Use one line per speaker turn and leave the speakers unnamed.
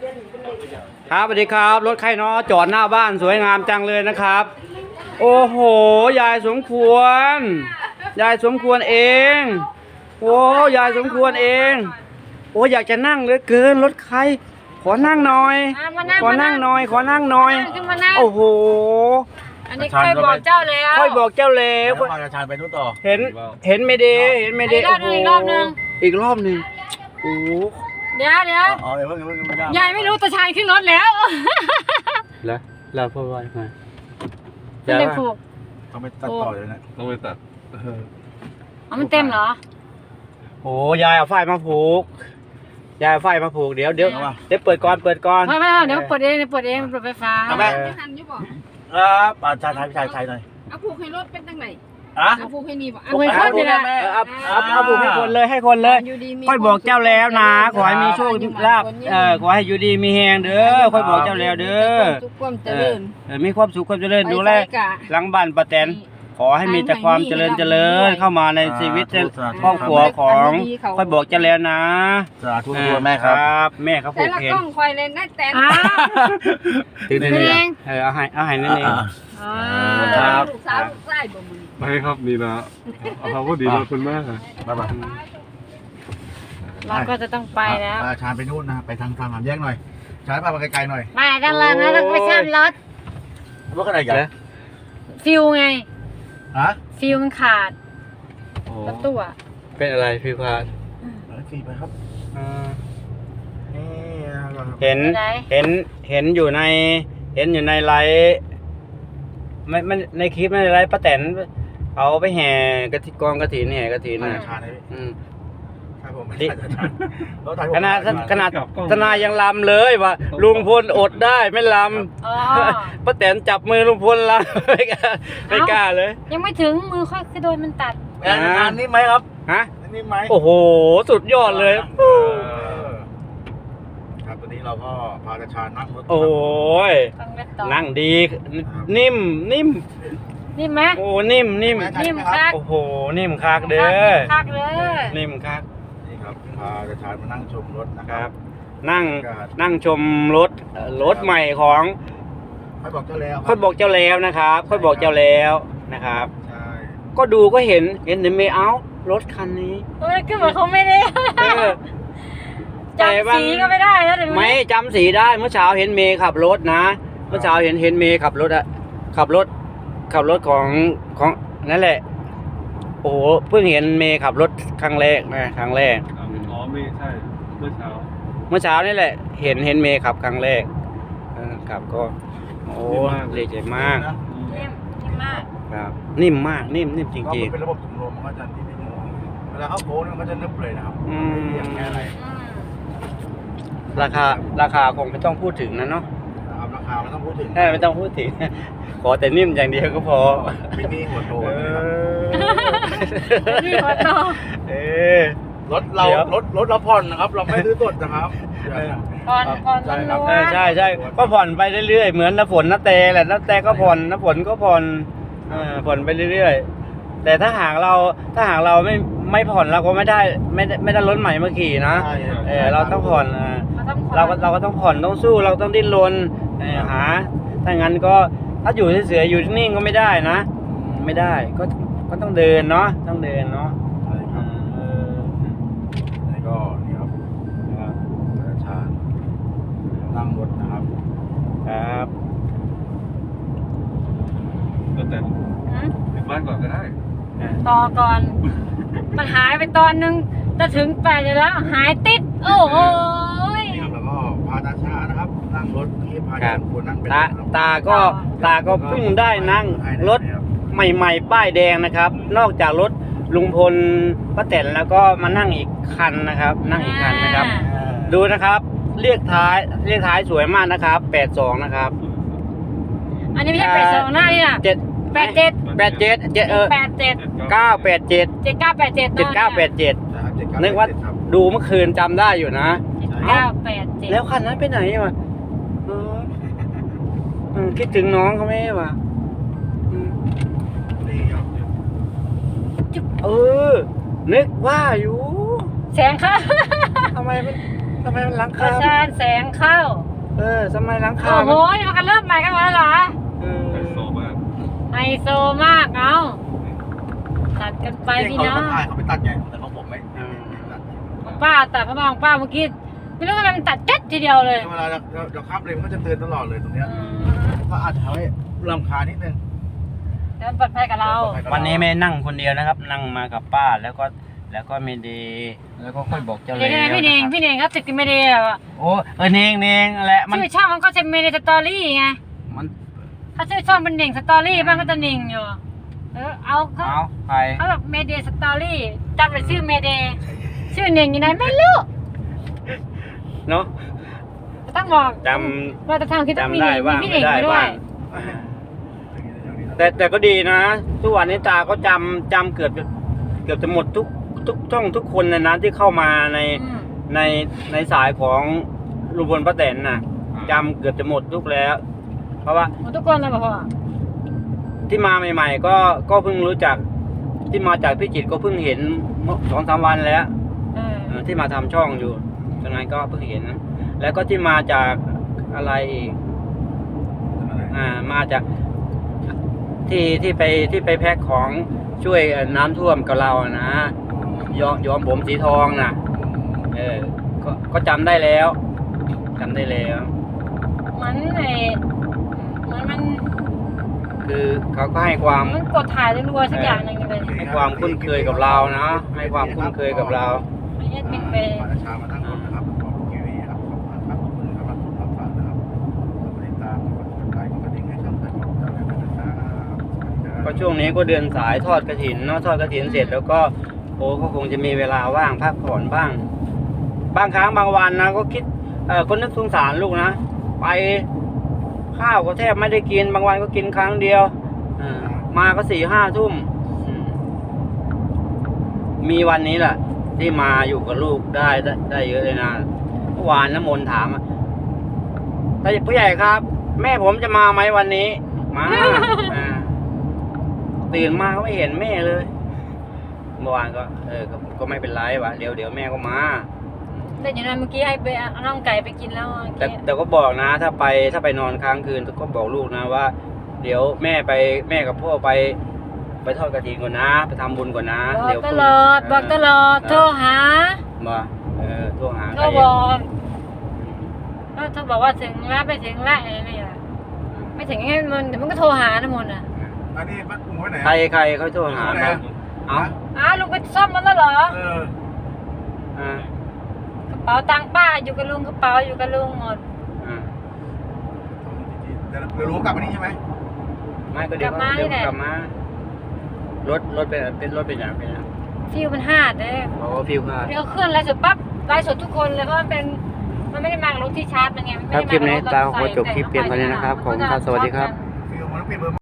ครับสวัสดีครับรถใครเนาะจอดหน้าบ้านสวยงามจังเลยนะครับ โอ้โหยายสมควรยายสมควรเองโอ้ยายสมควรเองโอ้อยากจะนั่งเหลือเกินรถใครขอนั่งหน่อยขอนั่งหน่อยขอนั่งหน่อยโอ้โห
อันนี้ค่อยบอกเจ้าแล้ว
ค่อยบอกเจ้าแล้ว
พาชาญไปนู่นต่อ
เห็นไม่ดีเห็นไม่ดี
อีกรอบนึง
อีกรอบนึงโอ้
เดี๋ยว
อ๋อเพิ่ง
ยายไม่รู้ตาชายขึ้นรถแล้ว
แล้วเราพูดว่าไง
ไม่ได้ผูก
ต้องไปตัดต่อเลยนะ
ต้องไปตัด
มันเต็มเหรอ
โอ้ยายเอาไฟมาผูกยายเอาไฟมาผูกเดี๋ยวเปิดก่อน
ไม่เดี๋ยวเปิดเองเปิดไฟฟ้า
ไม่
ทันยุบบอก
ชายหน่อย
เอาผูกให้รถเป็นตั้งไหนเอาผูกให้นี่บอก
เอาให้คนเลยเอาผูกให้คนเลยค่อยบอกเจ้าแล้วนะขอให้มีโชคลาภขอให้อยู่ดีมีแหงเด้อค่อยบอกเจ้าแล้วเด้อมีความสุขความเจริญดูแลหลังบ้านป้าแตนขอให้มีแต่ความเจริญเข้ามาในชีวิตครอบครัวของค่อยบอกเจ้าแล้วนะ
สาธุแม่ครับ
แม่ครับผูกเห็น
แต่ละกล้องคอยเล่นได้แต่
ถึงนั่นเองเอาให้นั่นเอง
ครับลูกสาวลูกชายบ่มือ
ไม่ครับนี่นะเขาก็ดีนะคุณแม่
บ๊ายบาย
เราก็จะต้องไปแล้ว
พาชาญไปนู่นนะไปทางสามแยกหน่อยชาญพาไปไกลๆหน่อย
ไม่ดังเลยนะเราไปซ่อมรถ
ขนาดใหญ่
ฟิวไงฟิวมันขาดรถตู้
เป็นอะไรฟิวขาด
ฟิวไปครับ
เห็นอยู่ในไลฟ์ไม่ในคลิปในไลฟ์ป้าแตนเอาไปแห่กองกฐินแห่กฐินนะขนาดทนายยังลำเลยว่าลุงพลอดได้ไม่ลำป้าแตนจับมือลุงพลลำไม่กล้าเลย
ยังไม่ถึงมือค่อยคือโดนมันตัด
งานนี้ไหมครับนี่ไหม
โอ้โหสุดยอดเลย
ครับตอนนี้เราก็พาชาญนั่งรถ
โอ้ยนั่งดีนิ่ม
ไหม
โอ้นิ่ม
คัก
โอ้โหนิ่มคักเด้อนิ่มคัก
นี่ครับพาชาญมานั่งชมรถนะครับ
นั่งชมรถใหม่ของ
ค่อยบอกเจ้าแล้ว
นะครับค่อยบอกเจ้าแล้วนะครับ
ใช่
ก็ดูก็เห็นไม่เอารถคันนี้
ก็เหมือนเขาไม่ได้จำสีก็ไม่ได้แล้ว
ไม่จำสีได้เมื่อเช้าเห็นเมย์ขับรถนะเมื่อเช้าเห็นเมย์ขับรถขับรถของนั่นแหละโอ้เพิ่งเห็นเมย์ขับรถครั้งแรกอ๋
อไม่ใช่เมื่อ
เช้านี่แหละเห็นเมย์ขับครั้งแรกขับก็โอ้เลยใจมาก
นิ่มมาก
ครับนิ่มมากนิ่มจริง
ๆเป็นระบบถุงลมมันก็จะนิ่มเวลาเขาโค้งมันก็จะนึบเลยนะครับอย่างแค่อะไร
ราคาคงไม่ต้องพูดถึงนะเนาะ
ราคาไม่ต้องพูดถึง
ไม่ต้องพูดถึงขอแต่นิ่มอย่างเดียวก็พอ
ไม่มีหัวโต
นี่หัวโต
รถเราผ่อนนะครับเราไม่ซื้อสดนะครับ
ผ่อน
ใช่ก็ผ่อนไปเรื่อยๆเหมือนน้ำฝนน้าแต่แหละน้าแต่ก็ผ่อนน้ำฝนก็ผ่อนไปเรื่อยๆแต่ถ้าหากเราไม่ผ่อนเราก็ไม่ได้รถใหม่มาขี่นะเราต้องผ่อนเราก็ต้องผ่อนต้องสู้เราต้องดิ้นรนหาถ้างั้นก็ถ้าอยู่เฉยๆอยู่นิ่งก็ไม่ได้นะไม่ได้ก็ต้องเดินเนาะ
นี่ก็นี่ครับชาญนั่งรถนะครับ
ก็แต่ถึงบ้านก่อนก็ได้
ต่อก่อนมันหายไปตอนนึงจะถึง8แล้วหายติดโอ้โห
แล้วก็พาชานะครับนั่งรถที่พาชาคนนั่งเป็น
ตาก็เพิ่งได้นั่งรถใหม่ๆป้ายแดงนะครับนอกจากรถลุงพลป้าแตนแล้วก็มานั่งอีกคันนะครับดูนะครับเรียกท้ายสวยมากนะครับ82นะครับ
อันนี้ไม่ใช่82หน้านี่นะ87
นึกว่าดูเมื่อคืนจำได้อยู่นะ
987
แล้วคันนั้นไปไหนวะคิดถึงน้องเขาไหมวะ
จุ๊บ
นึกว่าอยู่
แสงค่ะ
ทำไมมันทำไมมันหลัง
ป
คา
ระชานแสงเข้า
ทำไมหลังคา
โอ้โหนี่มันกันเริ่มใหม่กันแล้วเหรอ
เออ
ไฮโซมาก
ไฮโซมากเอาตัดกันไปพี่น้อง
เขาไปตัดไงแต่ของผมไม่ตัด
ของป้าตัดพระบางป้าเมื่อกี้ไม่รู้ทำไมมันตัดเจ็ดทีเดียวเลย
เวลาเราขับเลยมันก็จะเตือนตลอดเลยตรงเนี้ยก็อาจจะทำให้รำคาญนิดนึง
แล้วปลอดภัยกับเรา
วันนี้ไม่นั่งคนเดียวนะครับ นั่งมากับป้าแล้วก็ไม่ดีแล้วก็ค่อยบอกเจ้า
เดี๋
แล้
ยว วพี่เนงพี่เนงครับติดไม่ดีอะ
โอ้เนงแหละมัน
ชื่อช่องมันก็จะเมเดสตอรี่ไง
มัน
ถ้าชื่อช่องเป็นเน่งสตอรี่บ้างก็จะเน่งอยู่เอาเขา
เอาใคร
เขาแบบเมเดสตอรี่จำเป็นชื่อเมเดชื่อเน่งอยู่ไหนไม่รู้
เนาะ
ต้องบอก
จ
ว่าจะทำคิดต้องมี
จำได้
เน่ง
บ้าง
มีพี่
ไม่
เน่ง
ได้
ไปด้ว
บ้าย งแต่ก็ดีนะทุกวันนี้ตาก็จำเกือบจะหมดทุกช่องทุกคนเลยนะที่เข้ามาในสายของลุงพลป้าแตนน่ะจำเกือบจะหมดทุกแล้ว เพราะว่า
หมดทุกคนเลยบอกพ่อ
ที่มาใหม่ๆก็เพิ่งรู้จักที่มาจากพิจิตรก็เพิ่งเห็น2-3 วันแล้วที่มาทำช่องอยู่ตรงนั้นก็เพิ่งเห็น แล้วก็ที่มาจากอะไรอีกมาจากที่ไปแพ็คของช่วยน้ำท่วมกับเรานะยอมผมสีทองนะก็จำได้แล้วจำได้แล้ว
มันมัน
คือเขาก็ให้ความ
มันกดถ่ายรัวๆสักอย่างหนึ่งเลย
ให้ความคุ้นเคยกับเรานะให้ความคุ้นเคยกับเรา
ไม่ใช่เป็นไป
ประชามาทั้งหมดนะครับขอบคุณครับขอบคุณครับขอบคุณครับรับฟังนะครับติดตามกดไลค์กดกระดิ่งให้ช่องเพื่อนของเราด้วยนะครับ
ก็ช่วงนี้ก็เดือนสายทอดกฐินเนาะทอดกฐินเสร็จแล้วก็ก็คงจะมีเวลาว่างพักผ่อนบ้าง บางครั้งบางวันนะก็คิดคนนึกสงสารลูกนะไปข้าวก็แทบไม่ได้กินบางวันก็กินครั้งเดียวมาก็4-5 ทุ่มมีวันนี้แหละที่มาอยู่กับลูกได้เยอะเลยนะเมื่อวานน้ำมนต์ถามแต่ผู้ใหญ่ครับ แม่ผมจะมาไหมวันนี้มาตื่นมาก็ไม่เห็นแม่เลยเมื่อวานก็ไม่เป็นไรวะเดี๋ยวแม่ก็มา
แต่อย่างนั้นเมื่อกี้ให้ไปเอาน้องไก่ไปกินแล้ว
แต่ก็บอกนะถ้าไปนอนค้างคืนก็บอกลูกนะว่า เดี๋ยวแม่กับพ่อไปทอดกฐินก่อนนะไปทำบุญก่อนนะ
บอก
เดี๋ยว
ตลอดบอกตลอดโทรหา
มาโทรหา
โทรบอกก็ถ้าบอกว่าถึงแล้วไปถึงแล้วอะไรนี่ล่ะไม่ถึงให้มันเดี๋ยวมันก็โทรหานะมนอ่ะ
อันนี้บ้านกุ้งไว้ไหน
ใครเขาโทรหาบ้างเอา
ลุงไปซ่อมมันแล้วเหรอ
อ่าก
ระเป๋าตังค์ป้าอยู่กับลุงกระเป๋าอยู่กับลุงหมด
เดี๋ยวรู้กลับมานี่ใช่ไหม
ไม่ก็เดี๋ยวกลับมารถเป็นรถเป็นอย่าง
ฟิวมันห้าเด้
โอ้ฟิวค่ะ
เดี๋ยวเคลื่อนไลฟ์สดปั๊บไลฟ์สดทุกคนเลยเพราะมันเป็นมันไม่ได้มากับรถที่ชาร์จมันไงมันไม่
ครับ
ได้
คลิป
มา
นี้
กับรถ
ตาขอจบคลิปเพียงเท่านี้นะครับขอบคุณครับสวัสดีครับ
ฟิวมันต้องเปลี่ยนเบอร์